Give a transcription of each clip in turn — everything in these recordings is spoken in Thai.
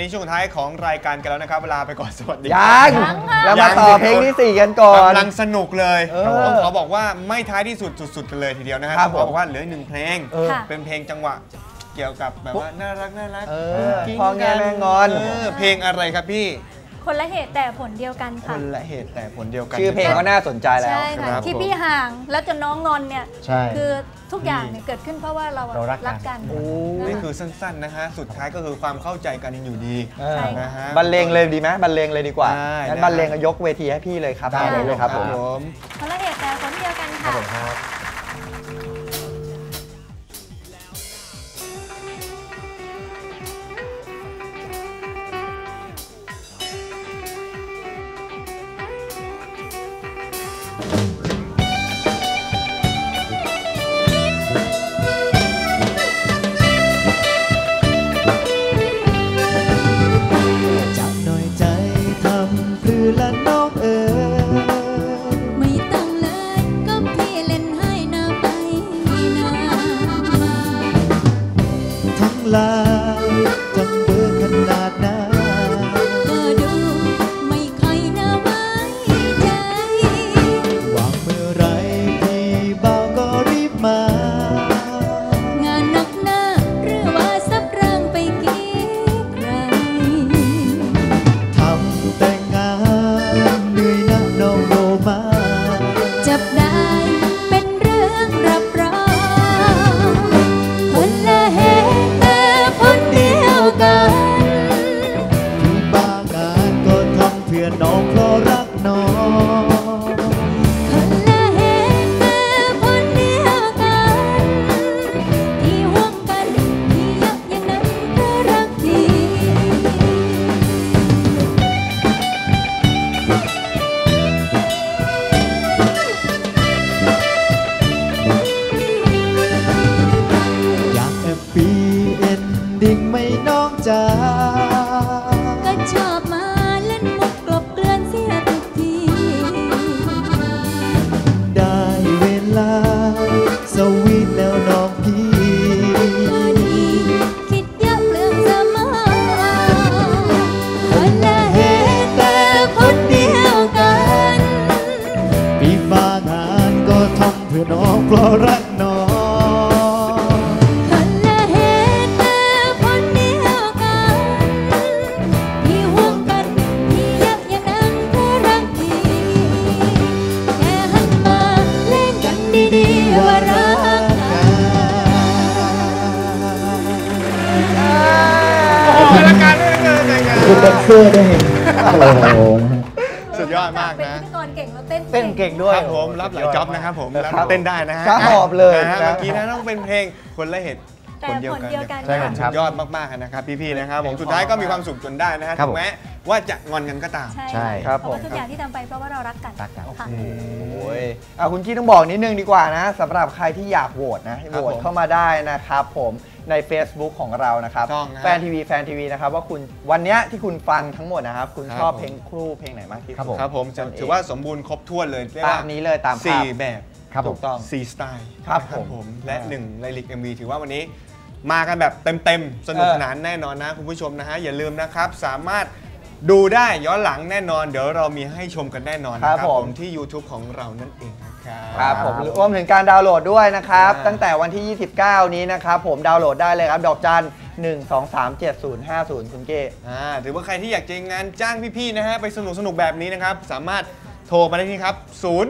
นี้ช่วงท้ายของรายการกันแล้วนะครับเวลาไปก่อนสวัสดียังแล้วมาต่อเพลงที่4กันก่อนกำลังสนุกเลยต้องขอบอกว่าไม่ท้ายที่สุดกันเลยทีเดียวนะครับต้องบอกว่าเหลือ1เพลงเป็นเพลงจังหวะเกี่ยวกับแบบว่าน่ารักพ่อแง่แม่งอนเพลงอะไรครับพี่คนละเหตุแต่ผลเดียวกันค่ะคนละเหตุแต่ผลเดียวกันชื่อเพลงก็น่าสนใจแล้วใช่ค่ะที่พี่ห่างแล้วจนน้องงอนเนี่ยคือทุกอย่างเนี่ยเกิดขึ้นเพราะว่าเรารักกันนี่คือสั้นๆนะฮะสุดท้ายก็คือความเข้าใจกันอยู่ดีนะฮะบรรเลงเลยดีไหมบรรเลงเลยดีกว่างั้นบรรเลงยกเวทีให้พี่เลยครับได้เลยครับผมคนละเหตุแต่ผลเดียวกันค่ะทั้งเบอร์ขนาดนั้นก็ดูไม่ค่อยน่าไว้ใจวางเมื่อไรพี่เบาก็รีบมางานหนักหน้าหรือว่าซับร่างไปกี่ใครทำแต่งงานเหนื่อยนักน้องโรมาจับได้เป็นเรื่องรับรองคนละเหตุพี่บ้างานก็ทำเพื่อน้องเพราะรักน้องคนละเหตุแต่ผลเดียวกันที่ห่วงกันที่ยักอย่างนั้นก็รักทีอยากแฮปปี้เอนดิ้งไม่น้องจ๋าก็ชอบมาเล่นมุกกลบเกลื่อนเสียทุกทีได้เวลาสวีทแล้วน้องพี่ก็ดีคิดเยอะเรื่องสมองคนละเหตุแต่ผลเดียวกันพี่บ้างานก็ทำเพื่อน้องเพราะรักน้องคุณแดนเซอร์ด้วยสุดยอดมากนะเป็นพิธีกรเก่งแล้วเต้นเก่งด้วยครับผมรับหลายจ็อบนะครับผมแล้วเต้นได้นะฮะหอบเลยเมื่อกี้นะต้องเป็นเพลงคนละเหตุคนเดียวกันใช่ครับสุดยอดมากๆนะครับพี่ๆนะครับผมสุดท้ายก็มีความสุขจนได้นะฮะถึงแม้ว่าจะงอนกันก็ตามใช่ครับผมทุกอย่างที่ทำไปเพราะว่าเรารักกันค่ะโอ้ยคุณกี้ต้องบอกนิดนึงดีกว่านะสำหรับใครที่อยากโหวตนะโหวตเข้ามาได้นะครับผมใน Facebook ของเรานะครับแฟนทีวีนะครับว่าคุณวันนี้ที่คุณฟังทั้งหมดนะครับคุณชอบเพลงคู่เพลงไหนมากที่สุดครับผมถือว่าสมบูรณ์ครบถ้วนเลยตามนี้เลยตาม 4แบบถูกต้อง4สไตล์ครับผมและ1ไลลิก MV ถือว่าวันนี้มากันแบบเต็มสนุกสนานแน่นอนนะคุณผู้ชมนะฮะอย่าลืมนะครับสามารถดูได้ย้อนหลังแน่นอนเดี๋ยวเรามีให้ชมกันแน่นอนนะครับผมที่ YouTube ของเรานั่นเองครับผมรวมถึงการดาวน์โหลดด้วยนะครับตั้งแต่วันที่ 29 นี้นะครับผมดาวน์โหลดได้เลยครับดอกจัน 1237050 คุณเก้ถือว่าใครที่อยากจะงานจ้างพี่ๆนะฮะไปสนุกแบบนี้นะครับสามารถโทรมาได้ที่ครับ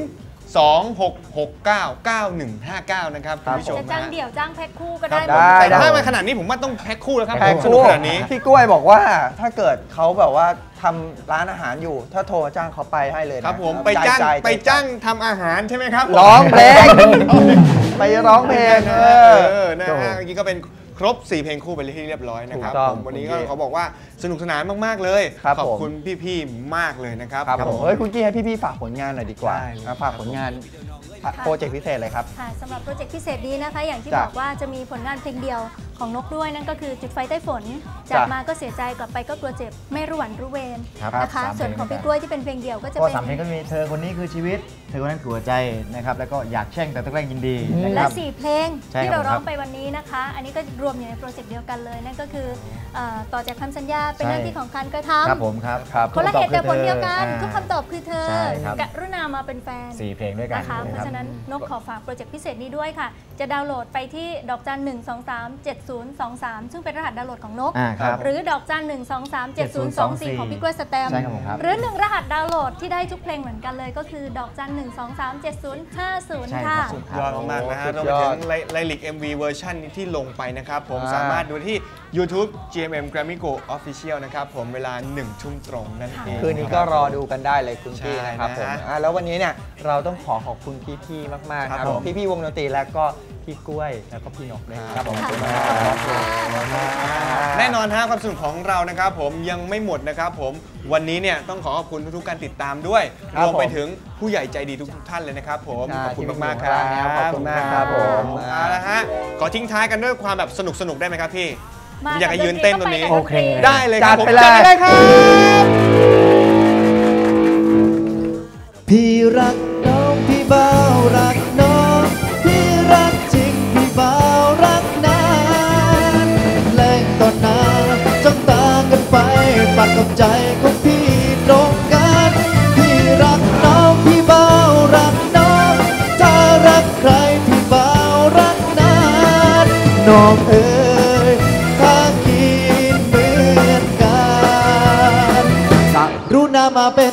26699159นะครับคุณผู้ชมจะจ้างเดี่ยวจ้างแพ็คคู่ก็ได้แต่ถ้ามาขนาดนี้ผมว่าต้องแพ็คคู่แล้วครับแพ็คคู่ขนาดนี้พี่กล้วยบอกว่าถ้าเกิดเขาแบบว่าทำร้านอาหารอยู่ถ้าโทรจ้างเขาไปให้เลยครับผมไปจ้างทำอาหารใช่ไหมครับร้องเพลงไปร้องเพลงนะฮะเมื่อกี้ก็เป็นครบ4เพลงคู่ไปที่เรียบร้อยนะครับวันนี้ก็เขาบอกว่าสนุกสนานมากๆเลยขอบคุณพี่ๆมากเลยนะครับเฮ้ยคุณกี้ให้พี่ๆฝากผลงานหน่อยดีกว่าฝากผลงานโปรเจกต์พิเศษเลยครับสำหรับโปรเจกต์พิเศษนี้นะคะอย่างที่บอกว่าจะมีผลงานเพลงเดียวของนกด้วยนั่นก็คือจุดไฟใต้ฝนจากมาก็เสียใจกลับไปก็กลัวเจ็บไม่รู้หวันรู้เวรนะคะส่วนของพี่กล้วยที่เป็นเพลงเดียวก็จะก็เป็น 3 เพลงก็มีเธอคนนี้คือชีวิตเธอคนนั้นคือหัวใจนะครับแล้วก็อยากแช่งแต่ต้องแกล้งยินดีนะคและรับ 4 เพลงใช่ที่ครับเราร้องผมครับไปวันนี้นะคะ อันนี้ก็รวมอยู่ในโปรเจกต์เดียวกันเลยนั่นก็คือต่อจากคำสัญญาเป็นหน้าที่ของการกระทครับผมครับำคนละเหตุแต่ผลเดียวกันอ่าทุกคำตอบคือเธอใช่ครับกรุณามาเป็นแฟน 4 เพลงด้วยกันนะคะเพราะฉะนั้นนกขอฝากโปรเจกต์พิเศษนี้ด้วยค่ะ จะดาวน์โหลดไปที่ดอกจัน 1237023 ซึ่งเป็นรหัสดาวน์โหลดของนกครับหรือดอกจัน 1237024 ของพี่กล้วยสแตมป์ใช่ครับผมครับหรือ1รหัสดาวน์โหลดที่ได้ทุกเพลงเหมือนกันเลยก็คือดอกจัน 1237050 ใช่ค่ะครับผมยอดมากๆนะฮะสุรวดมยไปอถึดงไลลิก MV เวอร์ชันที่ลงไปนะครับผมอ่าสามารถดูที่ YouTube GMM Grammy Go Official นะครับผมเวลา 1 ทุ่มตรงนั่นเองคืนนี้ก็รอดูกันได้เลยคุณพี่ใช่นะครับผมนะฮะแล้ววันนี้เนี่ยเราต้องขอบคุณพี่ๆมากๆครับครับผผม มพี่ๆวงดนตรีแล้วก็พี่กล้วยแล้วก็พี่นกด้วยครับผมค่ะขอบคุณมากครับแน่นอนฮะความสนุกของเรานะครับผมยังไม่หมดนะครับผมวันนี้เนี่ยต้องขอบคุณทุกๆการติดตามด้วยครับรวมไปผมถึงผู้ใหญ่ใจดีทุกๆท่านเลยนะครับผมใช่ขอบคุณมากๆคที่รับมีขอบคุณมากครับผมเอาละฮะขอทิ้งท้ายกันด้วยความแบบสนุกๆได้ไหมครับพี่มาอยากให้ยืนเต้นตรงนี้ก็ไปกับดนตรีได้เลยครับผมจัดไปเลยจัดไปเลยครับพี่รักน้องพี่บ่าวรักน้องพี่รักจริงพี่บ่าวรักนานแรงต่อหน้าจ้องตากันไปปัดกับใจของพี่ตรงกันพี่รักน้องพี่บ่าวรักน้องถ้ารักใครพี่บ่าวรักนานน้องเอ๋ยถ้าคิดเหมือนกันกรุณามาเป็น